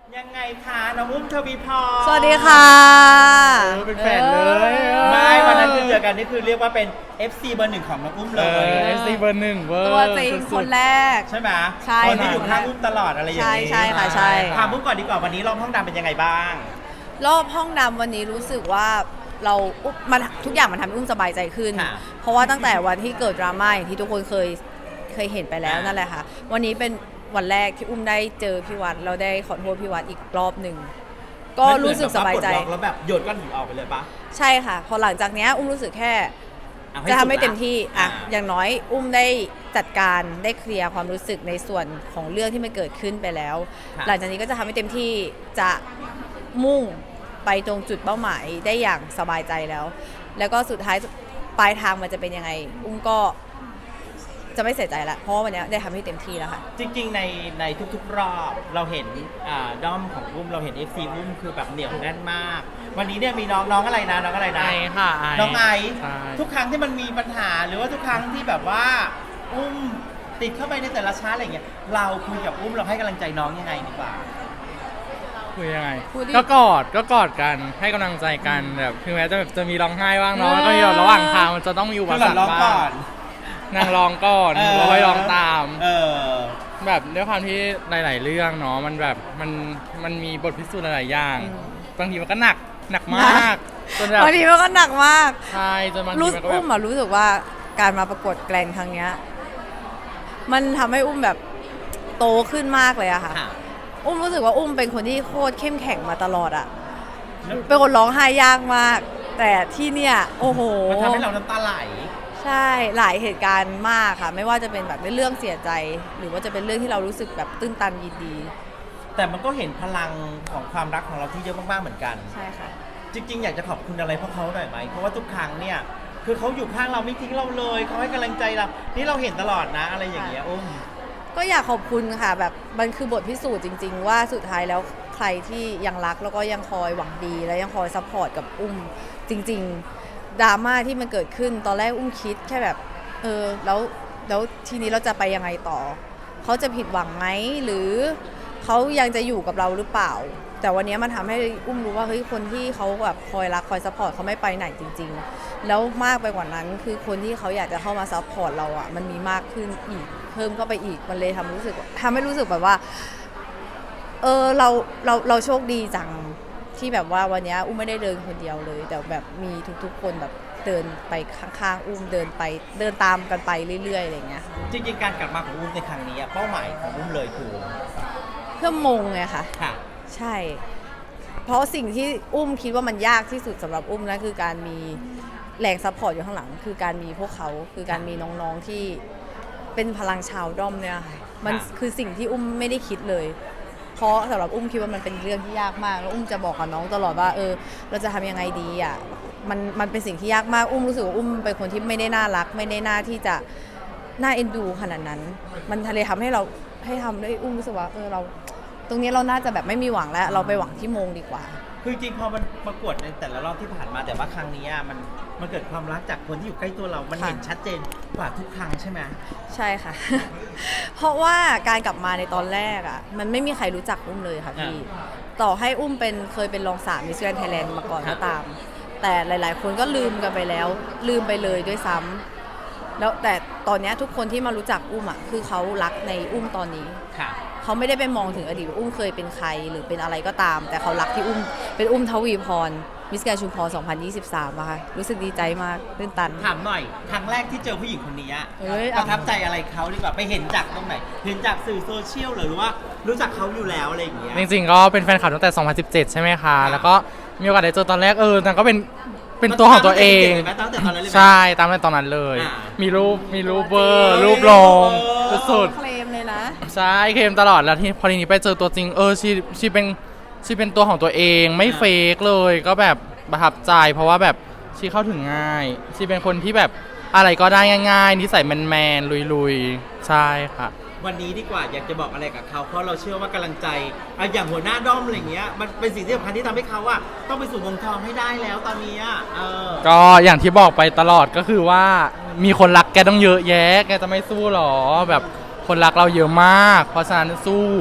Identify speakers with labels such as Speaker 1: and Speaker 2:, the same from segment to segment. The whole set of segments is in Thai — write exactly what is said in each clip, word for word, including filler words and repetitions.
Speaker 1: ยังไงคะน้องอุ้มทวีพร
Speaker 2: สวัสดีค่ะ
Speaker 3: เออเป็นแฟนเลย
Speaker 1: ไม่วันนั้นคือเจอกันนี่คือเรียกว่าเป็น เอฟ ซี เบอร์หนึ่งของน้องอุ้มเลย
Speaker 3: เอฟซีเบอร์หนึ่งเวอร์
Speaker 2: ตัวจริงคนแรก
Speaker 1: ใช่ไหม
Speaker 2: ใช่
Speaker 1: คนที่อยู่ข้างอุ้มตลอดอะไรอย่างนี้
Speaker 2: ใช่ใช่ค่ะใช่
Speaker 1: ถามอุ้มก่อนดีกว่าวันนี้รอบห้องดำเป็นยังไงบ้าง
Speaker 2: รอบห้องดำวันนี้รู้สึกว่าเราอุ๊บมันทุกอย่างมันทำให้อุ้มสบายใจขึ้น เพราะว่าตั้งแต่วันที่เกิดดราม่าอย่างที่ทุกคนเคยเคยเห็นไปแล้วนั่นแหละค่ะวันนี้เป็นวันแรกที่อุ้มได้เจอพี่วัดเราได้ขอโทษพี่วัดอีกรอบหนึ่งก็รู้สึกสบายใจ
Speaker 1: แล้วแบบโยนก้อนหินออกไปเลยปะ
Speaker 2: ใช่ค่ะพอหลังจากนี้อุ้มรู้สึกแค่จะทำให้เต็มที่อ่ะอย่างน้อยอุ้มได้จัดการได้เคลียร์ความรู้สึกในส่วนของเรื่องที่มันเกิดขึ้นไปแล้วหลังจากนี้ก็จะทำให้เต็มที่จะมุ่งไปตรงจุดเป้าหมายได้อย่างสบายใจแล้วแล้วก็สุดท้ายปลายทางมันจะเป็นยังไงอุ้มก็จะไม่เสียใจละเพราะว่าวันนี้ได้ทำให้เต็มที่แล้วค่ะ
Speaker 1: จริงๆในในทุกๆรอบเราเห็นด้อมของอุ้มเราเห็น เอฟ ซี อุ้มคือแบบเหนียวแน่นมากวันนี้เนี่ยมีน้องน้องอะไรนะน้องอะไรนะ
Speaker 3: ไอค่ะ
Speaker 1: น้องไอทุกครั้งที่มันมีปัญหาหรือว่าทุกครั้งที่แบบว่าอุ้มติดเข้าไปในแต่ละชาร์ตอะไรอย่างเงี้ยเราคุยกับอุ้มเราให้กำลังใจน้องยังไงดีกว่า
Speaker 3: คุยยังไงก็กอดก็กอดกันให้กำลังใจกันแบบถึงแม้จะแบบจะมีร้องไห้บ้างเนาะก็มีระหว่างทางมันจะต้องมีอุปสรรคบ้างนางร้องก่อนเราให้ร้องตามแบบด้วยความที่หลายๆเรื่องเนาะมันแบบมันมันมีบทพิสูจน์หลายๆอย่างบางทีมันก็หนักหนักมาก
Speaker 2: จนแบบบางทีมันก็หนักมาก
Speaker 3: ใช่จนบางทีมันก็แบบ
Speaker 2: อุ้มอะรู้สึกว่าการมาประกวดแกลนครั้งนี้มันทำให้อุ้มแบบโตขึ้นมากเลยอะค่ะอุ้มรู้สึกว่าอุ้มเป็นคนที่โคตรเข้มแข็งมาตลอดอะเป็นคนร้องไห้ยากมากแต่ที่เนี่ยโอ้โห
Speaker 1: มันทำให้เราน้ำตาไหล
Speaker 2: ใช่หลายเหตุการณ์มากค่ะไม่ว่าจะเป็นแบบเรื่องเสียใจหรือว่าจะเป็นเรื่องที่เรารู้สึกแบบตื้นตันยินดี
Speaker 1: แต่มันก็เห็นพลังของความรักของเราที่เยอะมากๆเหมือนกัน
Speaker 2: ใช่ค่ะ
Speaker 1: จริงๆอยากจะขอบคุณอะไรพวกเขาหน่อยไหมเพราะว่าทุกครั้งเนี่ยคือเขาอยู่ข้างเราไม่ทิ้งเราเลยเขาให้กำลังใจเรานี่เราเห็นตลอดนะอะไรอย่างเงี้ยอุ้ม
Speaker 2: ก็อยากขอบคุณค่ะแบบมันคือบทพิสูจน์จริงๆว่าสุดท้ายแล้วใครที่ยังรักแล้วก็ยังคอยหวังดีและยังคอยซัพพอร์ตกับอุ้มจริงๆดราม่าที่มันเกิดขึ้นตอนแรกอุ้มคิดแค่แบบเออแล้วแล้วทีนี้เราจะไปยังไงต่อเขาจะผิดหวังไหมหรือเขายังจะอยู่กับเราหรือเปล่าแต่วันนี้มันทำให้อุ้มรู้ว่าเฮ้ยคนที่เขาแบบคอยรักคอยซัพพอร์ตเขาไม่ไปไหนจริงๆแล้วมากไปกว่านั้นคือคนที่เขาอยากจะเข้ามาซัพพอร์ตเราอ่ะมันมีมากขึ้นอีกเพิ่มเข้าไปอีกมันเลยทำรู้สึกทำให้รู้สึกแบบว่าเออเราเราเราโชคดีจังที่แบบว่าวันนี้อุ้มไม่ได้เดินคนเดียวเลยแต่แบบมีทุกๆคนแบบเดินไปข้างๆอุ้มเดินไปเดินตามกันไปเรื่อยๆอะไรเงี้ย
Speaker 1: จริงๆการกลับมาของอุ้มในครั้งนี้เป้าหมายของอุ้มเลยคือ
Speaker 2: เพื่อมงไงคะ
Speaker 1: ค่ะ
Speaker 2: ใช่เพราะสิ่งที่อุ้มคิดว่ามันยากที่สุดสำหรับอุ้มนั่นคือการมีแรงซัพพอร์ตอยู่ข้างหลังคือการมีพวกเขาคือการมีน้องๆที่เป็นพลังชาวด้อมเนี่ยค่ะมันคือสิ่งที่อุ้มไม่ได้คิดเลยเพราะสำหรับอุ้มคิดว่ามันเป็นเรื่องที่ยากมากแล้วอุ้มจะบอกกับน้องตลอดว่าเออเราจะทำยังไงดีอ่ะมันมันเป็นสิ่งที่ยากมากอุ้มรู้สึกว่าอุ้มเป็นคนที่ไม่ได้น่ารักไม่ได้น่าที่จะน่าเอ็นดูขนาดนั้นมันทะเลทำให้เราให้ทำได้อุ้มรู้สึกว่าเออเราตรงนี้เราน่าจะแบบไม่มีหวังแล้วเราไปหวังที่มงดีกว่า
Speaker 1: คือจริงพอมันประกวดในแต่ละรอบที่ผ่านมาแต่ว่าครั้งนี้มันมันเกิดความรักจากคนที่อยู่ใกล้ตัวเรามันเห็นชัดเจนกว่าทุกครั้งใช่ไหม
Speaker 2: ใช่ค่ะ เพราะว่าการกลับมาในตอนแรกอ่ะมันไม่มีใครรู้จักอุ้มเลยค่ะพี่ต่อให้อุ้มเป็นเคยเป็นรองสามมิสแกรนด์ไทยแลนด์มาก่อนก็ตามแต่หลายๆคนก็ลืมกันไปแล้วลืมไปเลยด้วยซ้ำแล้วแต่ตอนนี้ทุกคนที่มารู้จักอุ้มอ่ะคือเขารักในอุ้มตอนนี้เขาไม่ได้ไปมองถึงอดีตว่าอุ้มเคยเป็นใครหรือเป็นอะไรก็ตามแต่เขารักที่อุ้มเป็นอุ้มทวีพรมิสแกรนด์ชุมพรสองพันยี่สิบสามอะค่ะรู้สึกดีใจมากตื่นตัน
Speaker 1: ถามหน่อยครั้งแรกที่เจอผู้หญิงคนนี้ประทับใจอะไรเขาดีกว่าไปเห็นจากตรงไหนเห็นจากสื่อโซเชียลหรือว่ารู้จักเขาอยู่แล้วอะไรอย่างเงี้ย
Speaker 3: จริงๆก็เป็นแฟนคลับตั้งแต่สองพันสิบเจ็ดใช่ไหมคะแล้วก็มีโอกาสได้เจอตอนแรกเออนางก็เป็นเป็นตัวของตัวเองใช่ตามในตอนนั้นเลยมีรูปมีรูปเบอร์รูปลงสุด
Speaker 2: เคลมเลยนะ
Speaker 3: ใช่เคลมตลอดแล้วที่พอทีนี้ไปเจอตัวจริงเออชีชีเป็นชีเป็นตัวของตัวเองไม่เฟกเลยก็แบบประทับใจเพราะว่าแบบชีเข้าถึงง่ายชีเป็นคนที่แบบอะไรก็ได้ง่ายๆนิสัยแมนๆลุยๆใช่ค่ะ
Speaker 1: วันนี้ดีกว่าอยากจะบอกอะไรกับเขาเพราะเราเชื่อว่ากำลังใจอย่างหัวหน้าด้อมอะไรเงี้ยมันเป็นสิ่งที่สำคัญที่ทำให้เขาอะต้องไปสู่วงทองให้ได้แล้วตอนนี้เออ
Speaker 3: ก็อย่างที่บอกไปตลอดก็คือว่ามีคนรักแกต้องเยอะแยะแกจะไม่สู้หรอแบบคนรักเราเยอะมากเพราะฉะนั้นสู้แ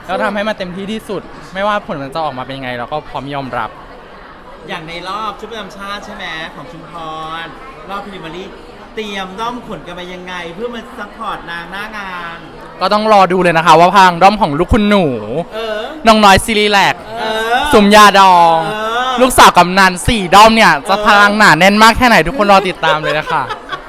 Speaker 3: แล้วทำให้มันเต็มที่ที่สุด ไม่ว่าผลมันจะออกมาเป็นยังไงเราก็พร้อมยอมรับ
Speaker 1: อย่างในรอบชุดประจำชาติใช่ไหมของชุมพรรอบพรีเมียร์ลีกเตรียมด้อมขนกันมายังไง เพื่อมาซัพพอร์ตนางหน้างาน
Speaker 3: ก็ต้องรอดูเลยนะคะว่าพลังด้อมของลูกคุณหนู
Speaker 1: เออ
Speaker 3: น้องน้อยซีรีแลก
Speaker 1: เออ
Speaker 3: สุมยาดอง
Speaker 1: เออ
Speaker 3: ลูกสาวกำนันสี่ด้อมเนี่ยจะ
Speaker 1: เออ
Speaker 3: พลังหนาแน่นมากแค่ไหนทุกคนรอติดตามเลยนะคะ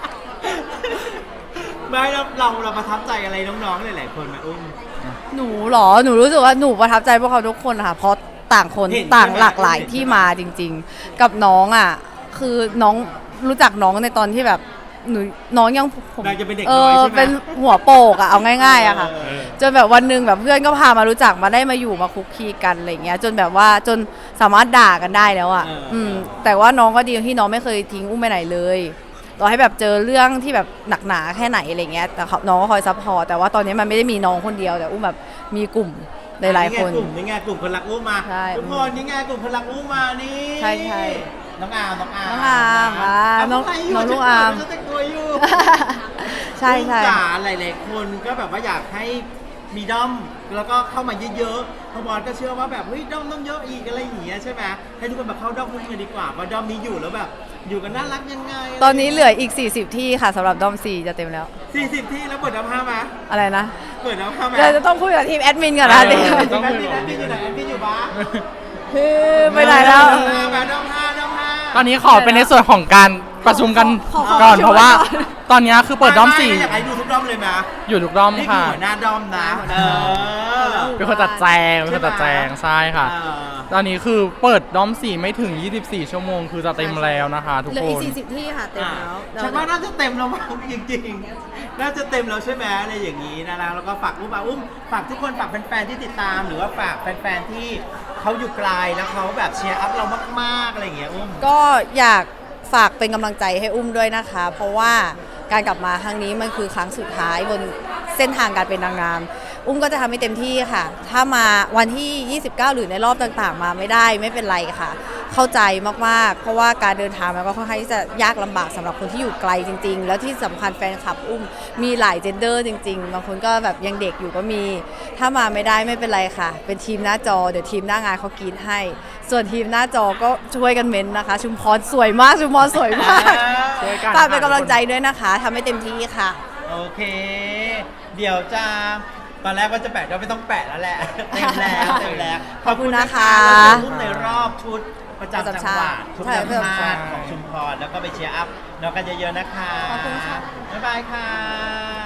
Speaker 1: ไม่เราเราเราประทับใจอะไรน้องๆหลายๆคนไหมอุ้ม
Speaker 2: หนูเหรอ หนูรู้สึกว่าหนูประทับใจพวกเขาทุกคนค่ะ เพราะต่างคน
Speaker 1: เห็น
Speaker 2: ต่าง
Speaker 1: ใช่ไหม
Speaker 2: หลากหลาย
Speaker 1: เห็น
Speaker 2: ที่มาจริง ๆ กับน้องอ่ะ คือน้องรู้จักน้องในตอนที่แบบหนูน้องยังผม
Speaker 1: นางจะเป็นเด็ก
Speaker 2: เอ
Speaker 1: น้อย
Speaker 2: อ
Speaker 1: ใช่ไหม
Speaker 2: เป็นหัวโปกอ่ะเอาง่ายๆอะค่ะ
Speaker 1: เออ
Speaker 2: จนแบบวันหนึ่งแบบเพื่อนก็พามารู้จักมาได้มาอยู่มาคุกคีกันอะไรเงี้ย จนแบบว่าจนสามารถด่ากันได้แล้วอ่ะ
Speaker 1: เออ
Speaker 2: อืมแต่ว่าน้องก็ดีที่น้องไม่เคยทิ้งอุ้มไปไหนเลยต่อให้แบบเจอเรื่องที่แบบหนักหนาแค่ไหนอะไรเงี้ยแต่เขาน้องก็คอยซัพพอร์ตแต่ว่าตอนนี้มันไม่ได้มีน้องคนเดียวแต่อุ้มแบบมีกลุ่มหลายๆคน
Speaker 1: กลุ่มนี่ไงกลุ่มคนรักอุ้มมา
Speaker 2: ใช่
Speaker 1: ทุกคนนี่ไงกลุ่มคนรักอุ้มมานี่
Speaker 2: ใช่ใช่
Speaker 1: น้องอามน้องอาม
Speaker 2: น้องอามอ่า
Speaker 1: ะ
Speaker 2: น้อง
Speaker 1: ใครยู่
Speaker 2: น้องลูกอาม
Speaker 1: ฉันแต่งตัวอยู่
Speaker 2: ใช่ใช่
Speaker 1: ลูกจ๋าหลายๆคนก็แบบว่าอยากให้มีด้อมแล้วก็เข้ามาเยอะๆเพราะบอลก็เชื่อว่าแบบเฮ้ยด้อมต้องเยอะอีกอะไรอย่างเงี้ยใช่ไหมให้ทุกคนแบบเข้าด้อมอุ้มกันดีกว่าเพราะด้อมนี้อยู่แล้วแบบอยู่กันน่ารักยังไง
Speaker 2: ตอนนี้เหลืออีก สี่สิบ ที่ค่ะสำหรับดอมสี่จะเต็มแล้ว
Speaker 1: สี่สิบที่แล้วเปิดด้อมห้ามา
Speaker 2: อะไรนะ
Speaker 1: เปิดด้อมห้ามา
Speaker 2: เดี๋ยวจะต้องคุยกับทีมแอดมินก่อนนะ
Speaker 3: เออ
Speaker 2: เดี๋ยว
Speaker 1: แอดมินแอดมินอยู่ไหนแอดมินอยู่บ้าน
Speaker 2: คือไปไหนแล้ว
Speaker 1: ด้อมห้ามาด้อมห้าด้อมห้า
Speaker 3: ตอนนี้ขอเป็นในส่วนของการประชุมกัน
Speaker 2: ขอขอ
Speaker 3: ก่อน
Speaker 2: ขอ
Speaker 3: เพราะว่า
Speaker 2: ก่อน
Speaker 3: ตอนนี้คือเปิดด้อมสี่
Speaker 1: ไไอยากให้ดูทุกด้อมเลยไหม
Speaker 3: อยู่ทุกด้อม
Speaker 1: นี่คือ
Speaker 3: ค่ะ
Speaker 1: หัวหน้าด้อมนะเออ
Speaker 3: เป็นคนตัดแจงเป็นคนตัดแจงใช่ค่ะ
Speaker 1: เออ
Speaker 3: ตอนนี้คือเปิดด้อมสี่ไม่ถึง ยี่สิบสี่ ชั่วโมงคือจะเต็มแล้วนะคะ ทุก
Speaker 2: เหลือ
Speaker 3: ค
Speaker 2: อีก
Speaker 3: น
Speaker 2: สี่สิบ ที่ค่ะเต็มแล้ว
Speaker 1: ฉันว่าน่าจะเต็มแล้วมั้งจริงๆ น่าจะเต็มแล้วใช่ไหมอะไรอย่างนี้นะแล้วก็ฝากอุ้มมาอุ้มฝากทุกคนฝากแฟนๆที่ติดตาม หรือว่าฝากแฟนๆที่เขาอยู่ไกลแล้วเขาแบบเชียร์อัพเรามากๆอะไรอย่างเงี้ยอุ้ม
Speaker 2: ก็อยากฝากเป็นกำลังใจให้อุ้มด้วยนะคะ เพราะว่าการกลับมาครั้งนี้มันคือครั้งสุดท้ายบนเส้นทางการเป็นนางงาม อุ้มก็จะทำให้เต็มที่ค่ะ ถ้ามาวันที่ ยี่สิบเก้า หรือในรอบต่างๆ มาไม่ได้ไม่เป็นไรค่ะ เข้าใจมากๆ เพราะว่าการเดินทางมันก็ค่อนข้างที่จะยากลำบากสำหรับคนที่อยู่ไกลจริง ๆ แล้วที่สำคัญแฟนคลับอุ้มมีหลายเจนเดอร์จริงๆ บางคนก็แบบยังเด็กอยู่ก็มี ถ้ามาไม่ได้ไม่เป็นไรค่ะ เป็นทีมหน้าจอเดี๋ยวทีมหน้างานเขากรีดให้ ส่วนทีมหน้าจอก็ช่วยกันเม้นต์นะคะ ชุมพรสวยมากชุมพรสวยมาก
Speaker 3: ช่วยกัน
Speaker 2: ฝากเป็นกำลังใจด้วยนะคะทำให้เต็มที่ค่ะ
Speaker 1: โอเค เดี๋ยวจะตอนแรกว่าจะแปะก็ไม่ต้องแปะแล้วแหละ เต็มแล้วเต็มแล้ว
Speaker 2: ขอบคุณนะคะ
Speaker 1: เราจะรุ่นในรอบชุดประจำจังหวัดชุด
Speaker 2: ใช่
Speaker 1: ประจำ
Speaker 2: ประจำ
Speaker 1: ชา
Speaker 2: ชาติ
Speaker 1: ติของชุมพรแล้วก็ไปเชียร์อัพเรากันเยอะๆนะคะ
Speaker 2: ขอบคุณค่ะ
Speaker 1: บ๊ายบายค่ะ